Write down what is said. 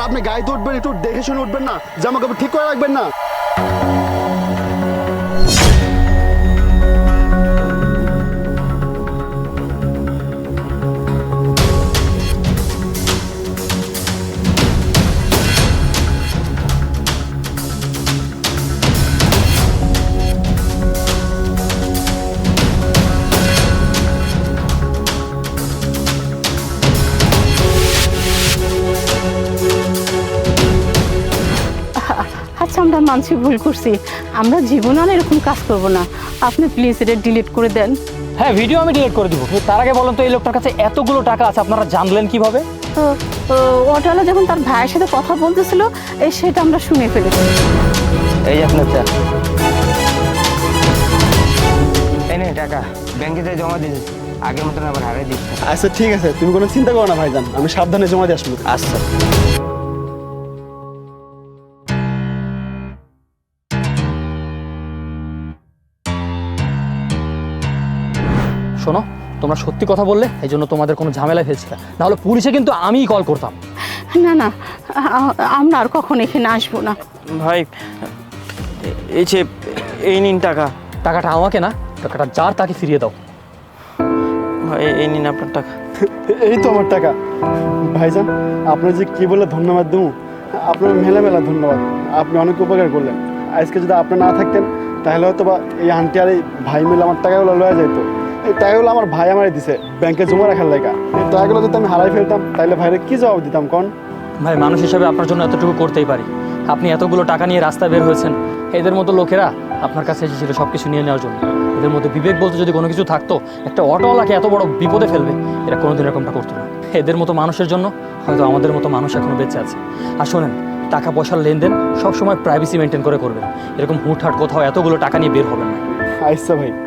আপনি গাড়িতে উঠবেন, একটু দেখে শুনে উঠবেন না? জামা কাপড় ঠিক করে রাখবেন না? আচ্ছা, আমরা মানছি ভুল করছি, আমরা জীবনে আর এরকম কাজ করব না। আপনি প্লিজ এটা ডিলিট করে দেন। হ্যাঁ, ভিডিও আমি ডিলিট করে দিব। তার আগে বলুন তো, এই লোকটার কাছে এতগুলো টাকা আছে আপনারা জানলেন কিভাবে? তো অটোওয়ালা যখন তার ভাইয়ের সাথে কথা বলতেছিল, সেটা আমরা শুনে ফেলেছি। এই যে আপনার চা, এই নে টাকা, ব্যাংকে যে জমা দিয়েছি, আগের মতন আবার হারিয়ে দিচ্ছি। আচ্ছা ঠিক আছে, তুমি কোনো চিন্তা করো না ভাইজান, আমি সাবধানে জমা দিয়ে আসবো। আচ্ছা। শোনো, তোমরা সত্যি কথা বললে, এই জন্য তোমাদের কোনো ঝামেলায় ফেলছি না, নাহলে পুলিশে কিন্তু আমিই কল করতাম। না না, আমরা আর কখন এখানে আসবো না। ভাই, এই যে এই নিন টাকা। টাকাটা আমাকে না, টাকাটা যার তাকে ফিরিয়ে দাও। ভাই, এই নিন আপনার টাকা। এই তো আমার টাকা। ভাইজান, আপনার যে কি বলে ধন্যবাদ দেবো, আপনার মেলা মেলা ধন্যবাদ। আপনি অনেক উপকার করলেন। আজকে যদি আপনি না থাকতেন, তাহলে হয়তো বা এই আন্টি আর এই ভাই মিলে আমার টাকাগুলো লয়ে যেত। এই টাকাগুলো আমার ভাই আমারে দিছে ব্যাংকে জমা রাখার লেগা। এই টাকাগুলো যদি আমি হারাই ফেলতাম, তাহলে ভাইরে কি জবাব দিতাম কোন? ভাই, মানুষ হিসাবে আপনার জন্য এতটুকু করতেই পারি। আপনি এতগুলো টাকা নিয়ে রাস্তায় বের হয়েছেন, এদের মতো লোকেরা আপনার কাছে এসেছিল সব কিছু নিয়ে নেওয়ার জন্য। এদের মধ্যে বিবেক বলতে যদি কোনো কিছু থাকতো, একটা অটোওয়ালাকে এত বড় বিপদে ফেলবে, এরা কোনোদিন এরকমটা করতো না। এদের মতো মানুষের জন্য হয়তো আমাদের মতো মানুষ এখনো বেঁচে আছে। আর শোনেন, টাকা পয়সার লেনদেন সবসময় প্রাইভেসি মেনটেন করে করবেন। এরকম হুটহাট কোথাও এতগুলো টাকা নিয়ে বের হবেন না। আচ্ছা ভাই।